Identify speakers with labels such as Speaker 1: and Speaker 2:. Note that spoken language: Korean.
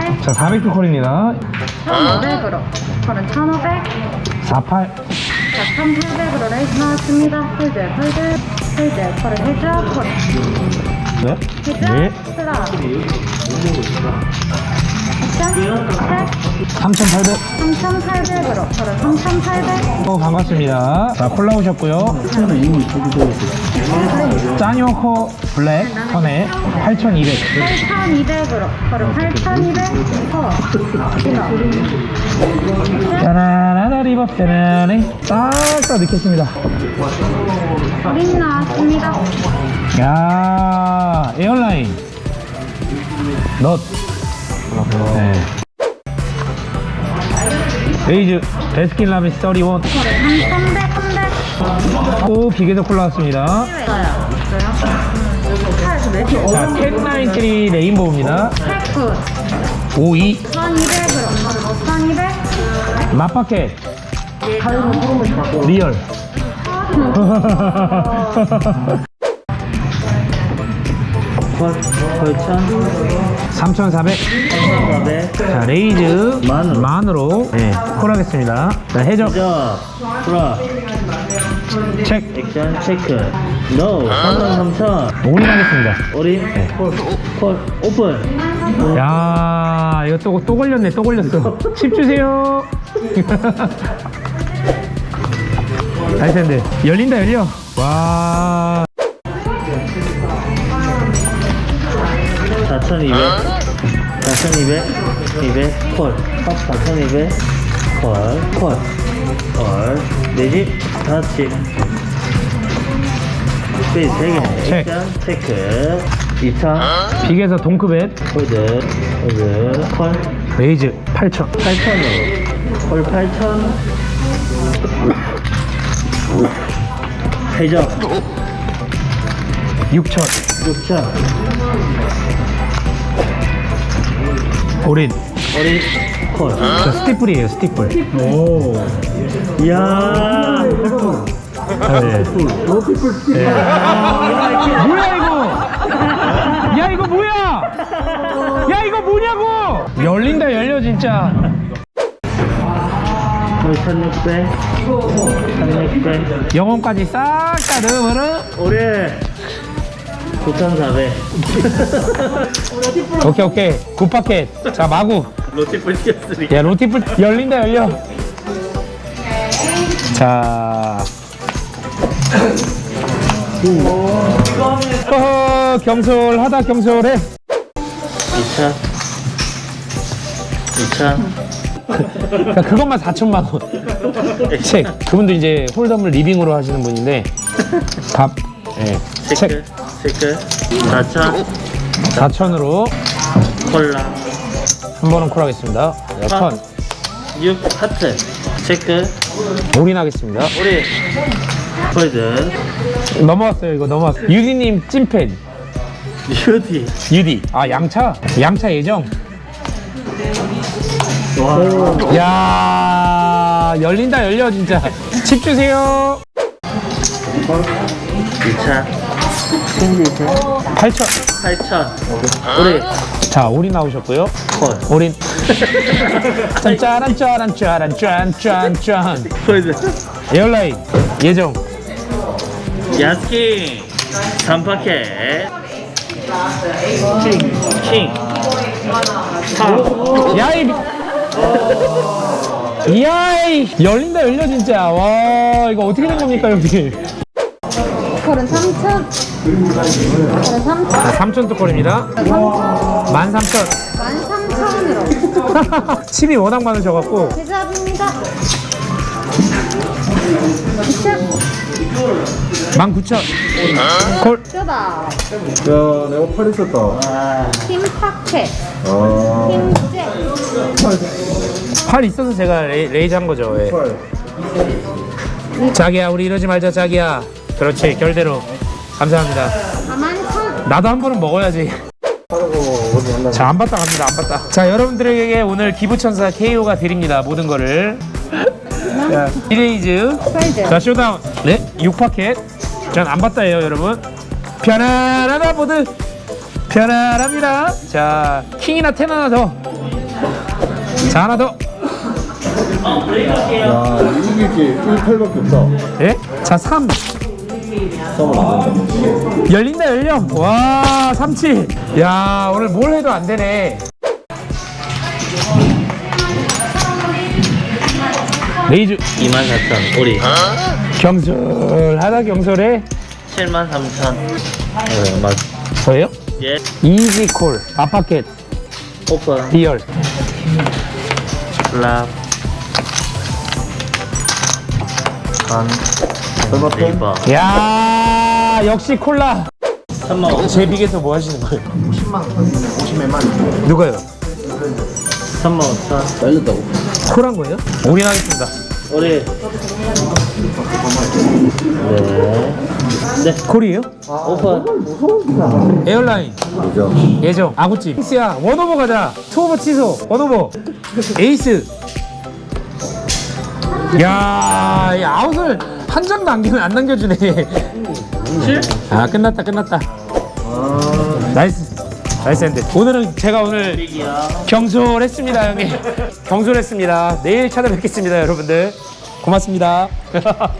Speaker 1: 400.
Speaker 2: 자, 400도 콜입니다.
Speaker 1: 1,500으로. 콜은 1,500.
Speaker 2: 48.
Speaker 1: 자, 1,800으로 레이즈 나왔습니다. 홀드. 콜은 해줘. 콜.
Speaker 2: 네.
Speaker 1: 해줘.
Speaker 2: 네.
Speaker 1: 플라. 액션. 책.
Speaker 2: 3,800.
Speaker 1: 3,800으로. 콜은 3,800.
Speaker 2: 반갑습니다. 자, 콜라 오셨고요. 짜뇨코 블랙 턴에 8,200.
Speaker 1: 8,200으로. 콜은 8,200.
Speaker 2: 짜라라라 리버 짜라네. 싹다 넣겠습니다.
Speaker 1: 린 나왔습니다.
Speaker 2: 야, 에어라인. 넛. 네. 레이즈 베스킨 라빈스 31.
Speaker 1: 콜은 3,100.
Speaker 2: 또 기계도 콜라 왔습니다. 자, 1093 레인보우입니다. 52.
Speaker 1: 1,200으로. 1,200.
Speaker 2: 맛밖에 리얼. 3,400. 자, 레이즈 만으로 네, 콜하겠습니다. 자, 해적
Speaker 3: 프라
Speaker 2: 책
Speaker 3: 액션 체크 노 33,000
Speaker 2: 올인하겠습니다.
Speaker 3: 어린
Speaker 2: 네.
Speaker 3: 콜 오픈
Speaker 2: 야, 이거 또 걸렸네. 또 걸렸어. 칩 주세요. 다이센드 열린다. 열려. 와.
Speaker 3: 4,200 200 콜 4,200 콜 내집 5집 스페이스 3개
Speaker 2: 체크.
Speaker 3: 액션 체크 2차
Speaker 2: 빅에서 동크벳
Speaker 3: 홀드 콜
Speaker 2: 레이즈 8,000.
Speaker 3: 8,000으로 콜 8,000 해적
Speaker 2: 6,000.
Speaker 3: 6,000
Speaker 2: 올인.
Speaker 3: 어린 콜
Speaker 2: 자, 스티플이에요. 스티플.
Speaker 3: 이야
Speaker 2: 네. 네. 뭐야 이거? 야 이거 뭐야? 야 이거 뭐냐고? 열린다. 열려 진짜.
Speaker 3: 1,600 1,600
Speaker 2: 영혼까지 싹 다 넣으면은
Speaker 3: 올해 9,400
Speaker 2: 오케이. 굿파켓. 자, 마구.
Speaker 3: 로티플 시켰으니
Speaker 2: 야, 로티플 열린다. 열려. 자. 경솔하다. 경솔해.
Speaker 3: 2,000
Speaker 2: 그러니까 그것만 4천만 원. 책. 그분도 이제 홀덤을 리빙으로 하시는 분인데 밥. 예.
Speaker 3: 체크 체크 4,000
Speaker 2: 4천으로
Speaker 3: 콜라
Speaker 2: 한 번은 콜하겠습니다. 1,000.
Speaker 3: 6 하트 체크
Speaker 2: 올인하겠습니다.
Speaker 3: 우리 홀드
Speaker 2: 넘어왔어요. 이거 넘어왔어요. 유디님 찐팬.
Speaker 3: 뷰티
Speaker 2: 유디. 아, 양차 예정.
Speaker 3: 와
Speaker 2: 야, 열린다. 열려 진짜. 칩 주세요.
Speaker 3: 2차
Speaker 2: 8천.
Speaker 3: 8,000 우리
Speaker 2: 자, 올인 나오셨고요.
Speaker 3: 콜
Speaker 2: 올인. 짠.
Speaker 3: 홀드
Speaker 2: 에어라인 예정.
Speaker 3: 야스킨 3파켓 킹 4
Speaker 2: 야이. 야이. 열린다. 열려 진짜. 와, 이거 어떻게 된 겁니까 여기?
Speaker 1: 콜은 3,000. 콜은 3,000.
Speaker 2: 자, 3천 뚜껑입니다. 13,000.
Speaker 1: 13,000으로.
Speaker 2: 칩이 워낙 많으셔갖고
Speaker 1: 대답입니다. 칩.
Speaker 2: 19,000. 콜.
Speaker 1: 쩌다.
Speaker 4: 야, 내가 팔 있었다.
Speaker 1: 팀 파켓.
Speaker 4: 아,
Speaker 1: 팀 잭.
Speaker 2: 팔 있어서 제가 레이즈 한 거죠. 예. 자기야, 우리 이러지 말자. 자기야. 그렇지. 결대로. 감사합니다.
Speaker 1: 41,000.
Speaker 2: 나도 한 번은 먹어야지. 자, 안 봤다 갑니다. 안 봤다. 자, 여러분들에게 오늘 기부천사 KO가 드립니다. 모든 거를. 자, 이레이즈. 자, 쇼다운. 네, 6파켓. 전 안 봤다예요, 여러분. 편안하다 모두. 편안합니다. 자, 킹이나 텐 하나 더. 자, 하나 더.
Speaker 4: 야, 이게 1팔밖에 없다.
Speaker 2: 예? 자, 3.
Speaker 4: 싸우면 안 된다.
Speaker 2: 열린다, 열려. 와, 37. 야, 오늘 뭘 해도 안 되네. 레이즈
Speaker 3: 24,000 우리
Speaker 2: 경솔하다 경솔해.
Speaker 3: 73,000 맞
Speaker 2: 저예요?
Speaker 3: 예
Speaker 2: 이지콜 아파켓
Speaker 3: 오픈
Speaker 2: 리얼
Speaker 3: 랍 간 네이버
Speaker 2: 야 역시 콜라.
Speaker 3: 35,000
Speaker 2: 제 빅에서 뭐 하시는 거예요? 50만 누가요?
Speaker 3: 35,000
Speaker 4: 잘렸다고.
Speaker 2: 콜한 거예요? 올인하겠습니다.
Speaker 3: 우리 네
Speaker 2: 콜이에요?
Speaker 3: 오픈
Speaker 2: 에어라인
Speaker 4: 그죠?
Speaker 2: 예정 아구찜 야 원오버 가자. 투오버 취소 원오버 에이스. 야, 이 아웃을 한 장도 안 남겨주네. 아 끝났다 끝났다. 나이스 나이스 핸드. 오늘은 제가 오늘
Speaker 3: 빅이야
Speaker 2: 경솔했습니다 형님. 경솔했습니다. 내일 찾아뵙겠습니다 여러분들. 고맙습니다.